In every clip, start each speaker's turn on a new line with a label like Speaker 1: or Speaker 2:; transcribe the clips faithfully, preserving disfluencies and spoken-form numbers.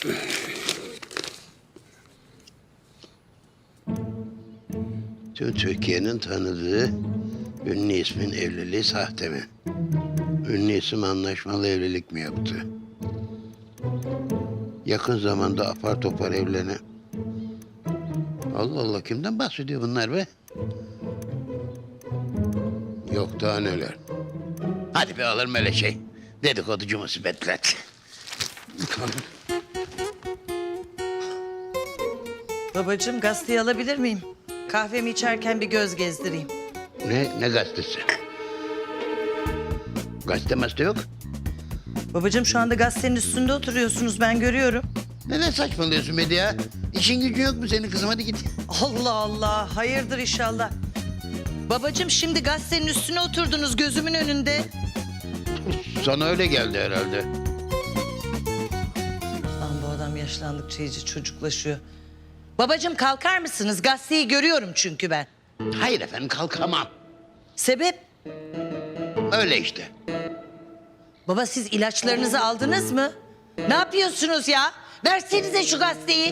Speaker 1: Tüm Türkiye'nin tanıdığı ünlü ismin evliliği sahte mi? Ünlü isim anlaşmalı evlilik mi yaptı? Yakın zamanda apar topar evlenen... Allah Allah, kimden bahsediyor bunlar be? Yok daha neler. Hadi be alır öyle şey. Dedikoducu musibetler.
Speaker 2: Babacığım gazeteyi alabilir miyim? Kahvemi içerken bir göz gezdireyim.
Speaker 1: Ne, ne gazetesi? Gazete mazete yok.
Speaker 2: Babacığım şu anda gazetenin üstünde oturuyorsunuz, ben görüyorum.
Speaker 1: Neden saçmalıyorsun Medya? İşin gücün yok mu senin kızım? Hadi git.
Speaker 2: Allah Allah, hayırdır inşallah. Babacığım şimdi gazetenin üstüne oturdunuz gözümün önünde.
Speaker 1: Sana öyle geldi herhalde.
Speaker 2: Lan bu adam yaşlandıkça iyice çocuklaşıyor. Babacığım kalkar mısınız? Gazeteyi görüyorum çünkü ben.
Speaker 1: Hayır efendim, kalkamam.
Speaker 2: Sebep?
Speaker 1: Öyle işte.
Speaker 2: Baba siz ilaçlarınızı aldınız mı? Ne yapıyorsunuz ya? Versenize şu gazeteyi.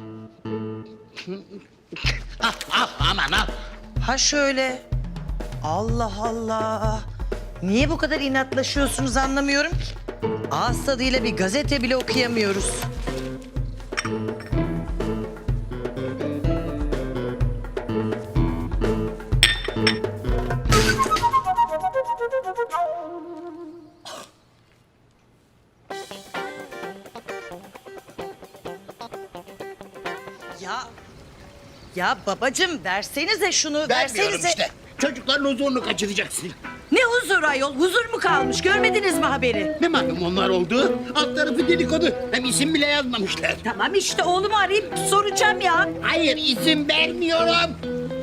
Speaker 1: Al, al, aman al.
Speaker 2: Ha şöyle. Allah Allah. Niye bu kadar inatlaşıyorsunuz anlamıyorum ki. Ağız tadıyla bir gazete bile okuyamıyoruz. Ya, ya babacığım versenize şunu,
Speaker 1: Vermiyorum
Speaker 2: versenize.
Speaker 1: işte. Çocukların huzurunu kaçıracaksın.
Speaker 2: Ne huzur ayol, huzur mu kalmış? Görmediniz mi haberi?
Speaker 1: Ne malum onlar oldu? Alt tarafı dedikodu. Hem isim bile yazmamışlar.
Speaker 2: Tamam işte oğlumu arayıp soracağım ya.
Speaker 1: Hayır, isim vermiyorum.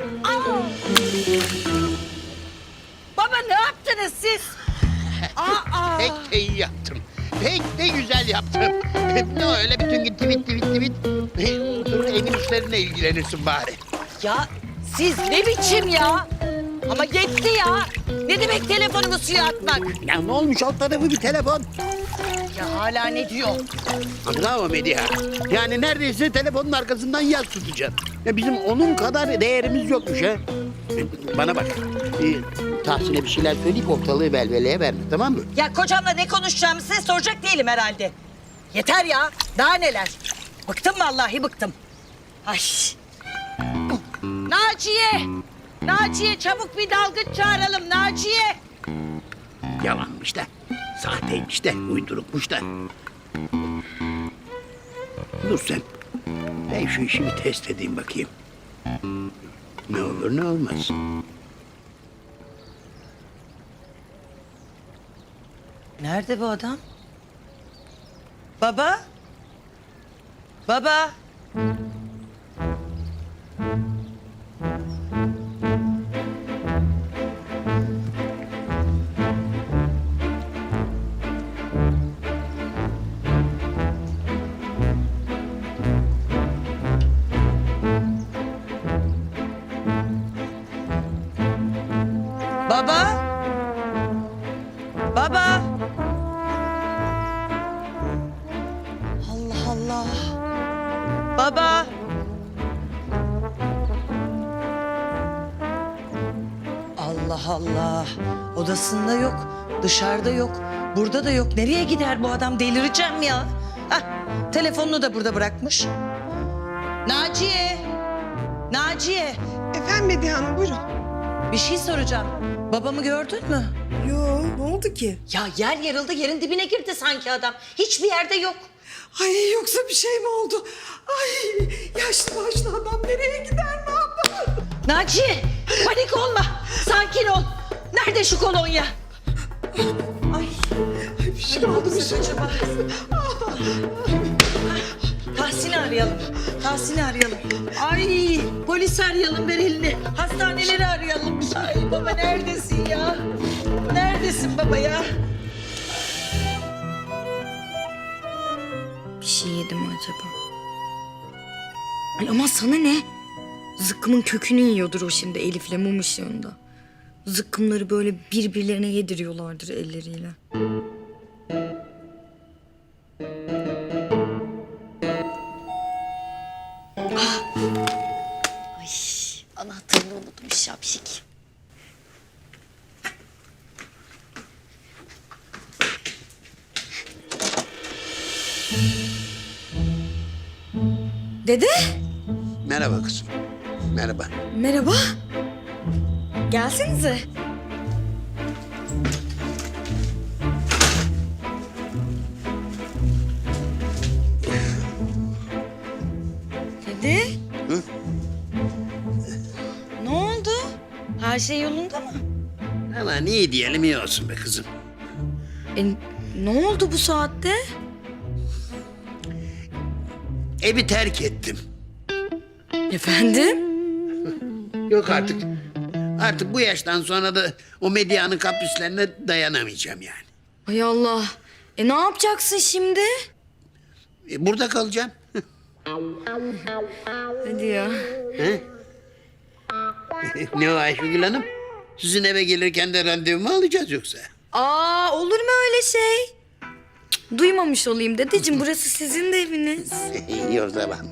Speaker 2: Baba ne yaptınız siz? Aa,
Speaker 1: Pek de iyi yaptım. Pek de güzel yaptım. Ne öyle bütün gün tweet tweet tweet. Otur evin işlerine ilgilenirsin bari.
Speaker 2: ya siz ne biçim ya? Ama yetti ya. Ne demek telefonumu suya atmak?
Speaker 1: Ya ne olmuş, alt tarafı bir telefon.
Speaker 2: Ya hala ne diyor?
Speaker 1: Bravo Medya. Yani neredeyse telefonun arkasından yaz tutacağım. Ya bizim onun kadar değerimiz yokmuş ha. Bana bak. E, Tahsin'e bir şeyler söyleyip ortalığı velveleye verme, tamam mı?
Speaker 2: Ya kocamla ne konuşacağımı size soracak değilim herhalde. Yeter ya. Daha neler? Bıktım vallahi bıktım. Ay. Naciye! Naciye çabuk bir dalgıç çağıralım Naciye.
Speaker 1: Yalanmış da, sahteymiş de, uydurukmuş da. Dur sen. Ben şu işi bir test edeyim bakayım. Ne olur ne olmaz.
Speaker 2: Nerede bu adam? Baba? Baba? Baba? Baba? Allah Allah. Baba? Allah Allah. Odasında yok, dışarıda yok, burada da yok. Nereye gider bu adam? Delireceğim ya. Hah, telefonunu da burada bırakmış. Naciye! Naciye!
Speaker 3: Efendim Medya Hanım buyurun.
Speaker 2: Bir şey soracağım. Babamı gördün mü?
Speaker 3: Yo ne oldu ki?
Speaker 2: Ya yer yarıldı, yerin dibine girdi sanki adam. Hiçbir yerde yok.
Speaker 3: Ay yoksa bir şey mi oldu? Ay yaşlı başlı adam nereye gider ne yapar?
Speaker 2: Naciye, panik olma. Sakin ol. Nerede şu kolonya? Ay,
Speaker 3: Ay bir şey oldu bir şey.
Speaker 2: acaba? Tahsin'i arayalım. Tahsin'i arayalım. Ay, polis arayalım, ver elini. Hastaneleri arayalım. Ay baba neredesin ya? Neredesin baba ya?
Speaker 4: Bir şey yedim mi acaba? Ay ama sana ne? Zıkkımın kökünü yiyordur o şimdi Elif'le mum ışığında. Zıkkımları böyle birbirlerine yediriyorlardır elleriyle. şapşik. Dede,
Speaker 1: Merhaba kızım. Merhaba.
Speaker 4: merhaba. Gelsenize. Dede.
Speaker 1: Hı?
Speaker 4: Ne oldu? Her şey yolunda mı?
Speaker 1: Ama iyi diyelim iyi olsun be kızım.
Speaker 4: E, ne oldu bu saatte?
Speaker 1: Evi terk ettim.
Speaker 4: Efendim?
Speaker 1: Yok artık. Artık bu yaştan sonra da o medyanın kaprislerine dayanamayacağım yani.
Speaker 4: Ay Allah. E ne yapacaksın şimdi?
Speaker 1: E, burada kalacağım.
Speaker 4: Hadi ya.
Speaker 1: He? Ne o Ayşegül Hanım? Sizin eve gelirken de randevu mu alacağız yoksa?
Speaker 4: Aa, olur mu öyle şey? Cık, duymamış olayım dedeciğim. Burası sizin de eviniz.
Speaker 1: İyi o zaman.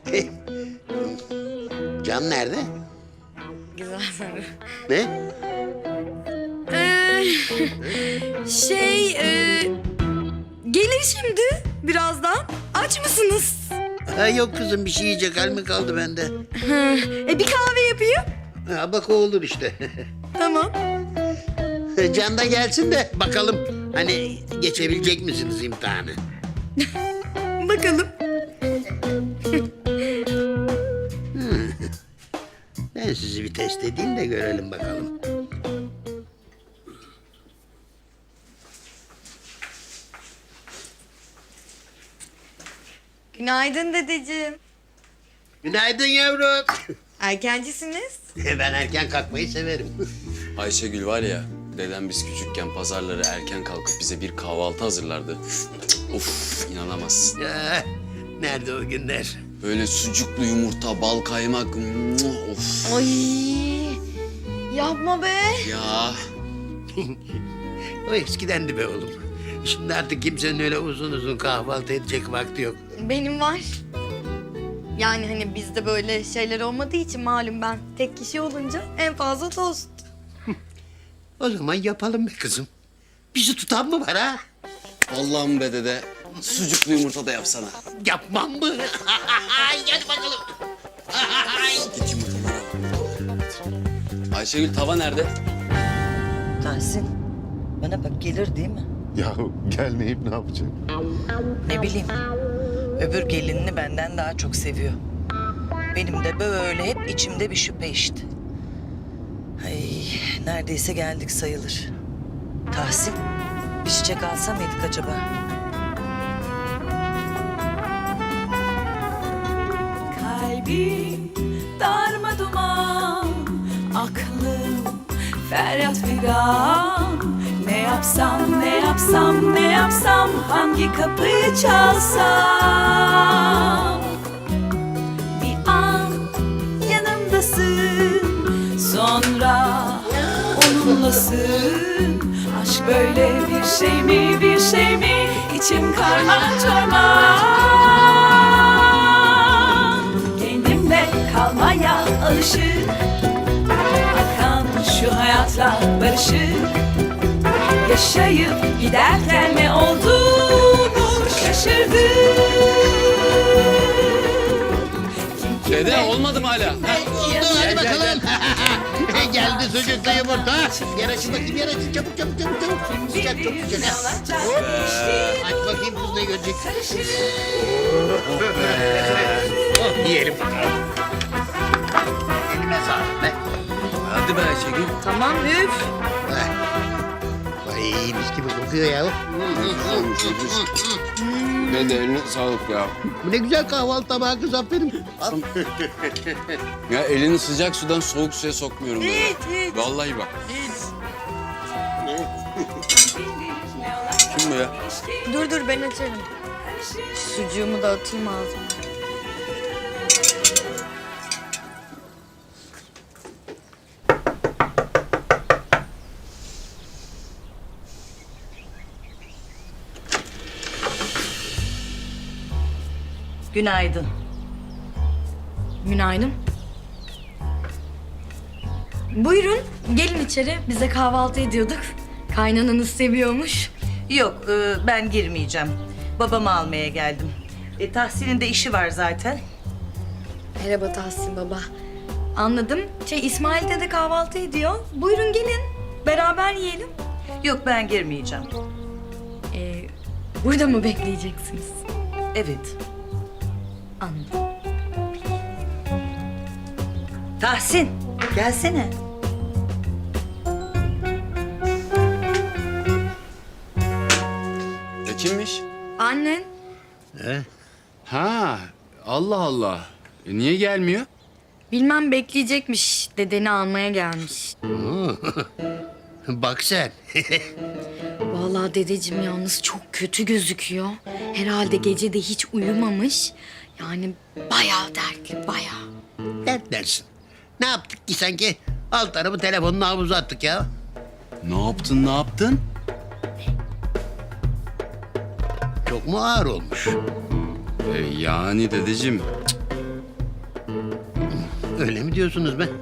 Speaker 1: Can nerede?
Speaker 4: Güzel soru.
Speaker 1: Ne?
Speaker 4: Ee, şey, e, gelir şimdi birazdan. Aç mısınız?
Speaker 1: Ha, yok kızım bir şey yiyecek hal mi kaldı bende?
Speaker 4: Hı, e bir kahve yapayım.
Speaker 1: Ha, bak o olur işte.
Speaker 4: Tamam.
Speaker 1: Can da gelsin de bakalım hani geçebilecek misiniz imtihanı?
Speaker 4: Bakalım.
Speaker 1: Ben sizi bir test edeyim de görelim bakalım.
Speaker 4: Günaydın dedeciğim.
Speaker 1: Günaydın yavrum.
Speaker 4: Erkencisiniz.
Speaker 1: Ben erken kalkmayı severim.
Speaker 5: Ayşegül var ya, dedem biz küçükken pazarları erken kalkıp bize bir kahvaltı hazırlardı. Cık, Of, inanamazsın.
Speaker 1: Ya, nerede o günler?
Speaker 5: Böyle sucuklu yumurta, bal kaymak, muah, of.
Speaker 4: Ay, yapma be.
Speaker 5: Ya,
Speaker 1: O eskidendi be oğlum. Şimdi artık kimsenin öyle uzun uzun kahvaltı edecek vakti yok.
Speaker 4: Benim var. Yani hani bizde böyle şeyler olmadığı için malum ben tek kişi olunca en fazla tost.
Speaker 1: O zaman yapalım be kızım. Bizi tutan mı var ha?
Speaker 5: Allah'ım be dede, sucuklu yumurta da yapsana.
Speaker 1: Yapmam mı? Hadi bakalım.
Speaker 5: Git yumurtaları al. Ayşegül tava nerede?
Speaker 2: Tahsin, bana bak gelir değil mi?
Speaker 6: Ya gelmeyip ne yapacak?
Speaker 2: Ne bileyim. Öbür gelinini benden daha çok seviyor. Benim de böyle hep içimde bir şüphe işte. Ay, neredeyse geldik sayılır. Tahsin, bir çiçek alsa mıydık acaba?
Speaker 7: Kalbim darmaduman, aklım feryat figan. Ne yapsam, ne yapsam, ne yapsam, hangi kapıyı çalsam? Bir an yanımdasın, sonra onunlasın. Aşk böyle bir şey mi, bir şey mi? İçim karman çorman. Kendimle kalmaya alışık, akan şu hayatla barışık. Yaşayıp giderken ne olduğunu şaşırdım. Kim kime
Speaker 5: Dede olmadı mı hala?
Speaker 1: Oldu hadi bakalım. Geldi sucuklu yumurta. Yer açın bakayım yer açın çabuk çabuk çabuk çabuk. Sıcak çok
Speaker 7: bilir
Speaker 1: sıcak.
Speaker 7: alacak
Speaker 1: Oh,
Speaker 7: işte
Speaker 1: aç bakayım kız ne görecek.
Speaker 7: karışır.
Speaker 1: Oh, yiyelim bakalım. Elime sağlık be.
Speaker 5: Hadi be Ayşegül.
Speaker 4: Tamam üf.
Speaker 1: Heh. Vay mis gibi kokuyor ya.
Speaker 5: Dede eline sağlık ya.
Speaker 1: Bu ne güzel kahvaltı tabağı kız aferin. Al.
Speaker 5: Ya elini sıcak sudan soğuk suya sokmuyorum dede.
Speaker 4: Hiç, hiç.
Speaker 5: Vallahi bak. Kim bu ya?
Speaker 4: Dur dur ben açarım. Sucuğumu da atayım ağzıma.
Speaker 2: Günaydın.
Speaker 4: Günaydın. Buyurun gelin içeri. Biz de kahvaltı ediyorduk. Kaynananız seviyormuş.
Speaker 2: Yok e, ben girmeyeceğim. Babamı almaya geldim. E, Tahsin'in de işi var zaten.
Speaker 4: Merhaba Tahsin baba. Anladım. Şey İsmail de kahvaltı ediyor. Buyurun gelin. Beraber yiyelim.
Speaker 2: Yok ben girmeyeceğim.
Speaker 4: Ee, burada mı bekleyeceksiniz?
Speaker 2: Evet.
Speaker 4: Anladım.
Speaker 2: Tahsin gelsene.
Speaker 5: E kimmiş?
Speaker 4: Annen.
Speaker 5: Ha, Allah Allah. E, niye gelmiyor?
Speaker 4: Bilmem bekleyecekmiş. Dedeni almaya gelmiş.
Speaker 1: Bak sen.
Speaker 4: Vallahi dedeciğim yalnız çok kötü gözüküyor. Herhalde gece de hiç uyumamış. Yani bayağı dertli, bayağı.
Speaker 1: Dertlersin. Ne yaptık ki sanki? Alt tarafı telefonunu havuza attık ya.
Speaker 5: Ne yaptın, ne yaptın?
Speaker 1: Çok mu ağır olmuş?
Speaker 5: E, yani dedeciğim.
Speaker 1: Öyle mi diyorsunuz be?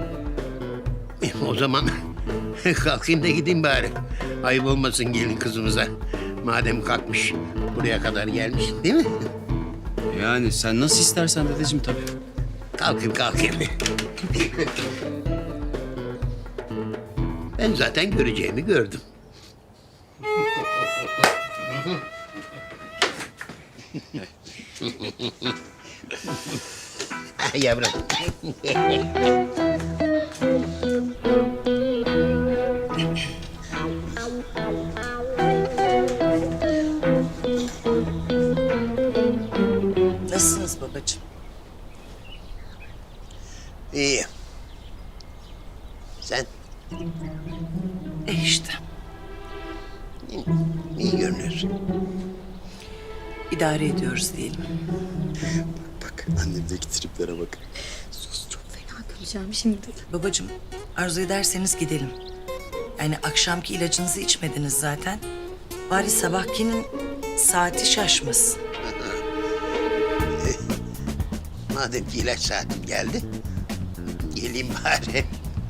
Speaker 1: O zaman kalkayım da gideyim bari. Ayıp olmasın gelin kızımıza. Madem kalkmış, buraya kadar gelmiş değil mi?
Speaker 5: Yani sen nasıl istersen dedeciğim tabii.
Speaker 1: Kalkayım kalkayım. Ben zaten göreceğimi gördüm. Yavrum.
Speaker 2: Nasılsınız babacığım?
Speaker 1: İyi. Sen
Speaker 2: E işte
Speaker 1: iyi görünüyorsun.
Speaker 2: idare ediyoruz diyelim.
Speaker 5: Bak annemdeki triplere bak.
Speaker 4: Sus çok fena güleceğim şimdi.
Speaker 2: Babacığım arzu ederseniz gidelim. Yani akşamki ilacınızı içmediniz zaten. Bari sabahkinin saati şaşmasın.
Speaker 1: Madem ki ilaç saatim geldi, geleyim bari.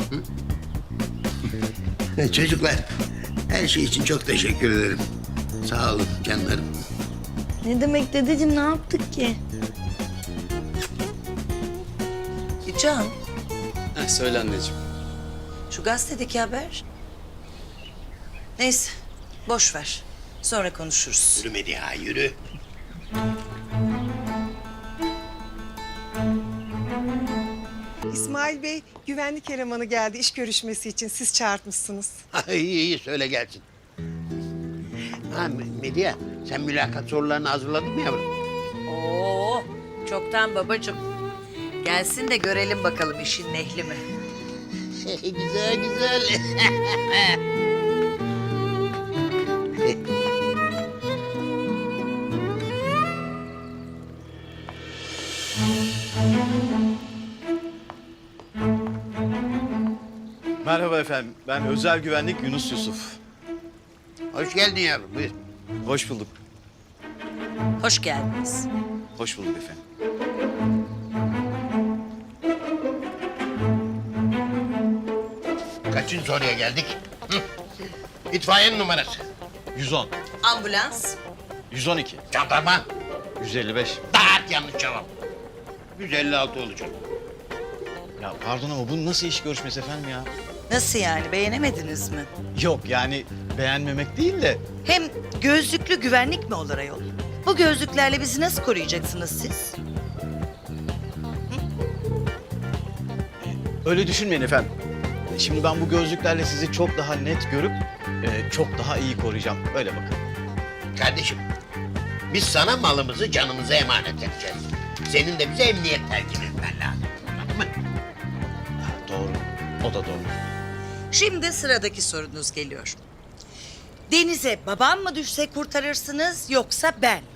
Speaker 1: Hı? Çocuklar, her şey için çok teşekkür ederim. Sağ olun canlarım.
Speaker 4: Ne demek dedeciğim ne yaptık ki?
Speaker 2: E Can,
Speaker 5: Heh, söyle anneciğim.
Speaker 2: şu gazetedeki haber. Neyse, boş ver. Sonra konuşuruz.
Speaker 1: Yürü Mediha, yürü.
Speaker 3: İsmail Bey, güvenlik elemanı geldi iş görüşmesi için. Siz çağırtmışsınız.
Speaker 1: Ay, iyi iyi söyle gelsin. Ha Medya, sen mülakat sorularını hazırladın mı yavrum?
Speaker 2: Oo, çoktan babacığım. Gelsin de görelim bakalım işin ehli mi?
Speaker 1: güzel güzel.
Speaker 8: Merhaba efendim. Ben özel güvenlik Yunus Yusuf.
Speaker 1: Hoş geldin yavrum, buyur.
Speaker 8: Hoş bulduk.
Speaker 2: Hoş geldiniz.
Speaker 8: Hoş bulduk efendim.
Speaker 1: Kaçıncı soruya geldik? Hı? İtfaiyenin numarası.
Speaker 8: yüz on,
Speaker 2: Ambulans.
Speaker 8: yüz on iki,
Speaker 1: Jandarma.
Speaker 8: yüz elli beş.
Speaker 1: Daha yanlış cevap. yüz elli altı olacak.
Speaker 8: Ya pardon ama bu nasıl iş görüşmesi efendim ya?
Speaker 2: Nasıl yani, beğenemediniz mi?
Speaker 8: Yok yani beğenmemek değil de
Speaker 2: Hem gözlüklü güvenlik mi olur ayol? Bu gözlüklerle bizi nasıl koruyacaksınız siz?
Speaker 8: öyle düşünmeyin efendim. Şimdi ben bu gözlüklerle sizi çok daha net görüp e, çok daha iyi koruyacağım. Öyle bakın.
Speaker 1: Kardeşim, biz sana malımızı, canımızı emanet edeceğiz. Senin de bize emniyet telkin etmen lazım. Anladın mı?
Speaker 8: Ha, doğru. O da doğru.
Speaker 2: Şimdi sıradaki sorunuz geliyor. Denize babam mı düşse kurtarırsınız yoksa ben mi?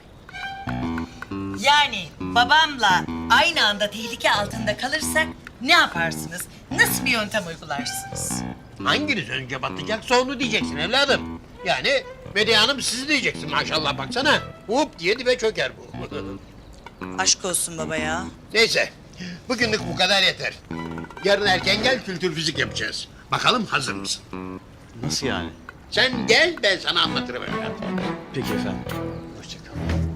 Speaker 2: Yani babamla aynı anda tehlike altında kalırsak ne yaparsınız? Nasıl bir yöntem uygularsınız?
Speaker 1: Hanginiz önce batacaksa onu diyeceksin evladım. Yani Medya Hanım sizi diyeceksin maşallah baksana. Hop diye dibe çöker bu.
Speaker 2: Aşk olsun baba ya.
Speaker 1: Neyse Bugünlük bu kadar yeter. Yarın erken gel, kültür fizik yapacağız. Bakalım hazır mısın?
Speaker 8: Nasıl yani?
Speaker 1: Sen gel, ben sana anlatırım evladım.
Speaker 8: Peki efendim. Hoşçakalın.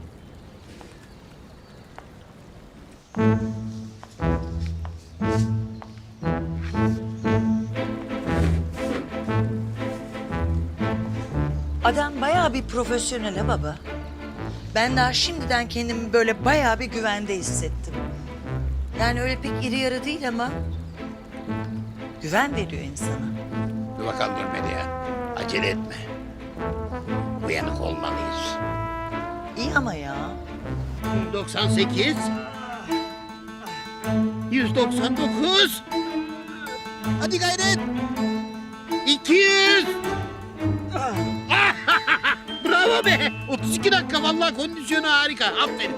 Speaker 2: Adam bayağı bir profesyonel ha baba. Ben daha şimdiden kendimi böyle bayağı bir güvende hissettim. Yani öyle pek iri yarı değil ama güven veriyor insana.
Speaker 1: Dur bakalım dur Medya. Acele etme. Uyanık olmalıyız.
Speaker 2: İyi ama ya.
Speaker 1: yüz doksan sekiz. yüz doksan dokuz. Hadi gayret. iki yüz. Bravo be. otuz iki dakika vallahi kondisyonu harika. Aferin.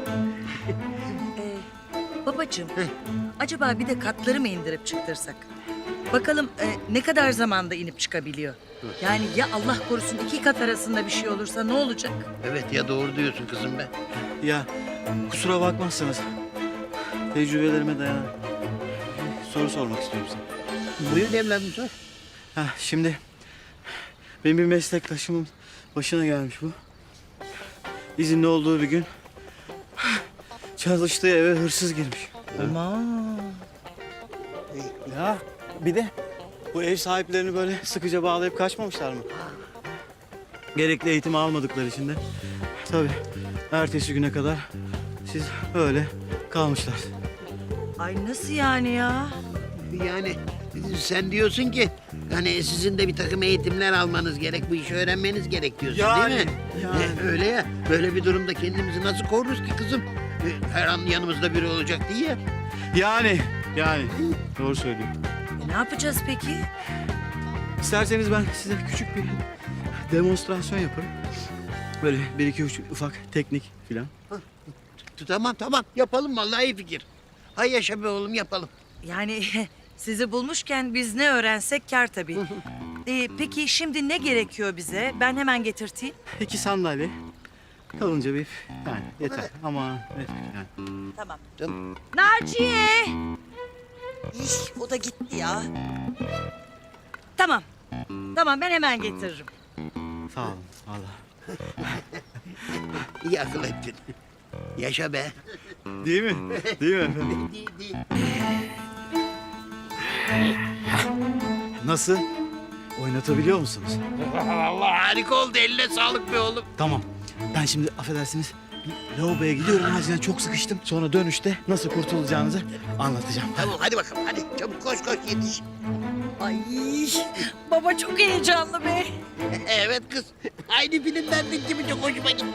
Speaker 2: Ee, babacığım, acaba bir de katları mı indirip çıktırsak? Bakalım e, ne kadar zamanda inip çıkabiliyor? Yani ya Allah korusun iki kat arasında bir şey olursa ne olacak?
Speaker 1: Evet ya doğru diyorsun kızım be.
Speaker 8: Ya kusura bakmazsanız tecrübelerime dayanarak bir soru sormak istiyorum size.
Speaker 1: Buyur evladım sor.
Speaker 8: Ha, şimdi benim bir meslektaşımın başına gelmiş bu. İzinli olduğu bir gün çalıştığı eve hırsız girmiş.
Speaker 2: Aman.
Speaker 8: Ya bir de bu ev sahiplerini böyle sıkıca bağlayıp kaçmamışlar mı? Gerekli eğitimi almadıkları için de tabii ertesi güne kadar siz öyle kalmışlar.
Speaker 2: Ay nasıl yani ya?
Speaker 1: Yani sen diyorsun ki hani sizin de bir takım eğitimler almanız gerek, bu işi öğrenmeniz gerek diyorsun
Speaker 8: Yani,
Speaker 1: değil mi?
Speaker 8: yani.
Speaker 1: E, öyle ya. Böyle bir durumda kendimizi nasıl koruruz ki kızım? E, her an yanımızda biri olacak diye ya.
Speaker 8: Yani, yani doğru söylüyor.
Speaker 2: E, ne yapacağız peki?
Speaker 8: İsterseniz ben size küçük bir demonstrasyon yaparım. Böyle bir iki üç ufak teknik filan.
Speaker 1: Tamam tamam yapalım vallahi iyi fikir. Hay yaşa be oğlum yapalım.
Speaker 2: Yani sizi bulmuşken biz ne öğrensek kâr tabii. Ee, peki şimdi ne gerekiyor bize? Ben hemen getirteyim.
Speaker 8: İki sandalye. Kalınca bir yani yeter. Ama yeter yani.
Speaker 2: Tamam.
Speaker 1: Canım.
Speaker 2: Naciye! İh, o da gitti ya. Tamam. Tamam ben hemen getiririm.
Speaker 8: Sağ olun. Allah.
Speaker 1: İyi akıl ettin. Yaşa be.
Speaker 8: Değil mi? Değil mi efendim?
Speaker 1: Değil, değil.
Speaker 8: Nasıl? Oynatabiliyor musunuz?
Speaker 1: Vallahi harika oldu. Eline sağlık be oğlum.
Speaker 8: Tamam. Ben şimdi affedersiniz bir lavaboya gidiyorum. Acilen çok sıkıştım. Sonra dönüşte nasıl kurtulacağınızı anlatacağım.
Speaker 1: Tamam hadi bakalım hadi. Çabuk koş koş yetiş.
Speaker 2: Ay baba çok heyecanlı be.
Speaker 1: Evet kız. Aynı filmlerdeki gibi çok hoşuma gitti.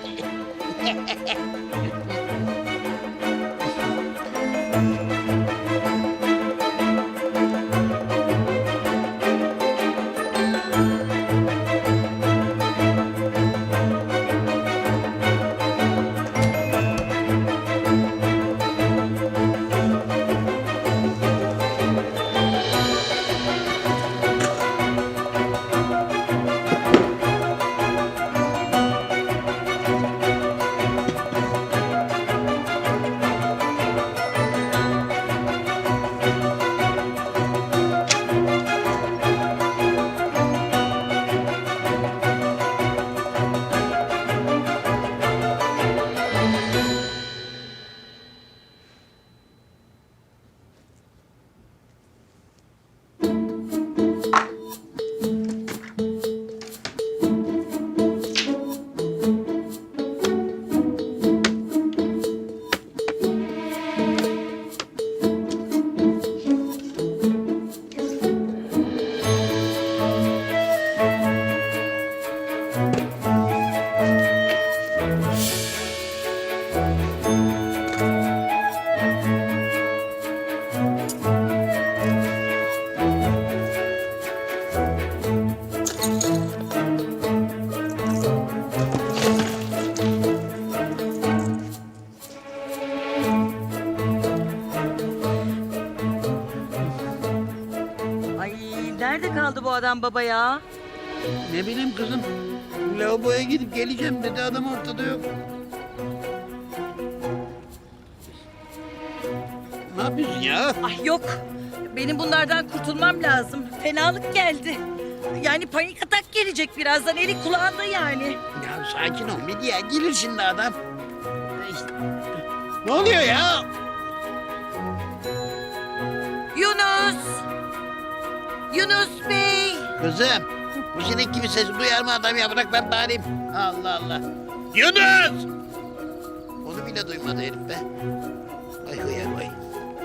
Speaker 2: Ay nerede kaldı bu adam baba ya?
Speaker 1: Ne bileyim kızım. Lavaboya gidip geleceğim dedi adam ortada yok. Ne yapıyorsun ya?
Speaker 2: Ay yok. Benim bunlardan kurtulmam lazım. Fenalık geldi. Yani panik atak gelecek birazdan. Eli kulağında yani.
Speaker 1: Ya sakin ol Medya. Gelir şimdi adam. Ne oluyor ya?
Speaker 2: Yunus! Yunus Bey!
Speaker 1: Kızım. Bu sinek gibi ses duyar mı adam ya? Bırak ben bağırayım. Allah Allah. Yunus! Onu bile duymadı herif be. Ay hıyar vay.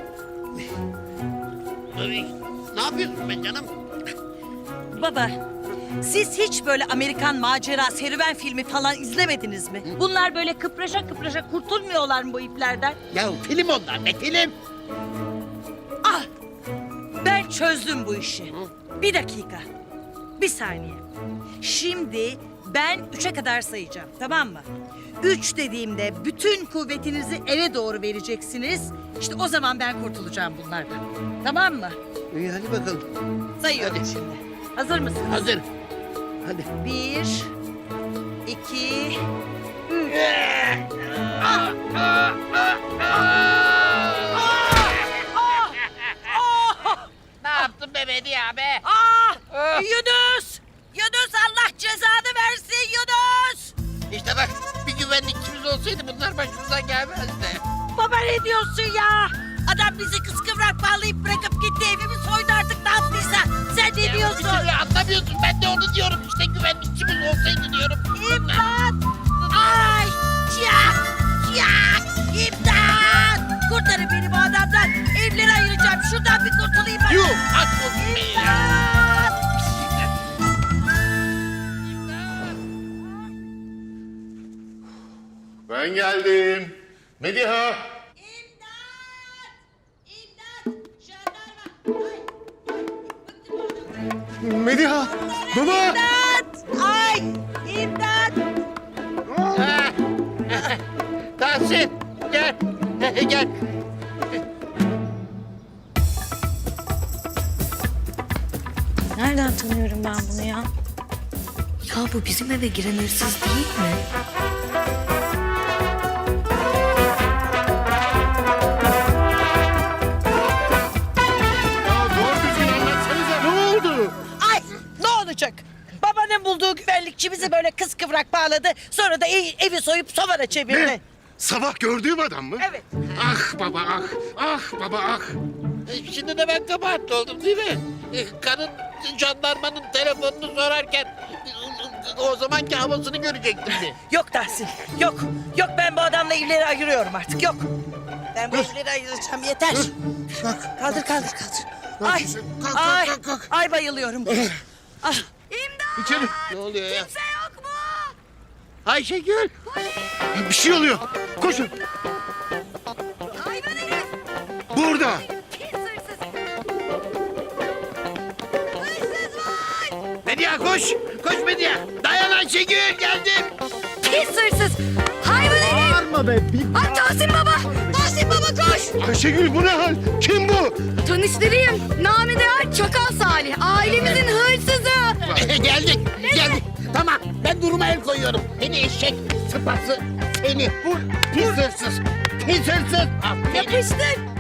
Speaker 1: Ay, ne yapıyorsun be canım?
Speaker 2: Baba, siz hiç böyle Amerikan macera, serüven filmi falan izlemediniz mi? Bunlar böyle kıpraşa kıpraşa kurtulmuyorlar mı bu iplerden?
Speaker 1: Ya film onlar ne film?
Speaker 2: Ah! Ben çözdüm bu işi. Bir dakika. Bir saniye. Şimdi ben üçe kadar sayacağım, tamam mı? Üç dediğimde bütün kuvvetinizi eve doğru vereceksiniz. İşte o zaman ben kurtulacağım bunlardan. Tamam mı?
Speaker 1: İyi hadi bakalım.
Speaker 2: Sayıyorum
Speaker 1: Hadi.
Speaker 2: şimdi. Hazır mısınız?
Speaker 1: Hazır. Hadi.
Speaker 2: Bir, iki, üç.
Speaker 1: Ne yaptın be Medya be?
Speaker 2: Ah! Yunus! Yunus Allah cezanı versin Yunus!
Speaker 1: İşte bak bir güvenlikçimiz olsaydı bunlar başımıza gelmezdi.
Speaker 2: Baba ne diyorsun ya? Adam bizi kıskıvrak bağlayıp bırakıp gitti, evimi soydu artık, ne yaptıysa. Sen ne
Speaker 1: Bir
Speaker 2: diyorsun?
Speaker 1: türlü anlamıyorsun. Ben de onu diyorum. İşte güvenlikçimiz olsaydı diyorum.
Speaker 2: İmdat! Ay! Çiyak! Çiyak! İmdat! Kurtarın beni bu adamdan. Evleri ayıracağım. Şuradan bir kurtulayım ben.
Speaker 1: Yuh! Aç olsun be ya.
Speaker 2: İmdat!
Speaker 6: Ben geldim. Mediha.
Speaker 2: İmdat! İmdat! Jandarma! Ay! Bıktım bu adamdan.
Speaker 6: Mediha. Baba.
Speaker 2: İmdat! Ay! İmdat!
Speaker 1: Tahsin gel. Gel.
Speaker 4: Nereden tanıyorum ben bunu ya? Ya bu bizim eve giren hırsız değil mi?
Speaker 6: Ya doğru düzgün anlatsanıza ne oldu?
Speaker 2: Ay! Ne olacak? Babanın bulduğu güvenlikçi bizi böyle kıskıvrak bağladı. Sonra da ev- evi soyup sobana çevirdi.
Speaker 6: Ne? Sabah gördüğüm adam mı?
Speaker 2: Evet.
Speaker 6: Ah baba ah. Ah baba ah.
Speaker 1: E, Şimdi de ben kabahatli oldum değil mi? E, Karın jandarmanın telefonunu sorarken e, o zamanki havasını görecektim de.
Speaker 2: Yok Tahsin, yok. Yok ben bu adamla evleri ayırıyorum artık, yok. Ben bu evleri ayıracağım, yeter. Kaldır, kaldır, kaldır. Ay,
Speaker 6: Kalk, kalk,
Speaker 2: ay,
Speaker 6: kalk, kalk.
Speaker 2: ay bayılıyorum. Ah,
Speaker 6: İçeri.
Speaker 1: Ne oluyor ya?
Speaker 2: kimse yok mu?
Speaker 1: Ayşegül.
Speaker 6: Bir şey oluyor. Koşun.
Speaker 2: Hayvan herif,
Speaker 6: Burada.
Speaker 2: pis hırsız. Hırsız var.
Speaker 1: Medya koş. Koş Medya. Dayan Ayşegül geldim.
Speaker 4: Pis hırsız! Hayvan herif!
Speaker 6: Bağırma be.
Speaker 4: Ay Tahsin baba! Tahsin baba koş!
Speaker 6: Ayşegül bu ne hal? Kim bu?
Speaker 4: Tanıştırayım. Namı değer Çakal Salih. Ailemizin hırsızı.
Speaker 1: geldik. Geldik. Tamam ben duruma el koyuyorum. Seni eşek sıpası seni. Bu pis hırsız. Pis hırsız. Aferin.
Speaker 4: Yapıştır.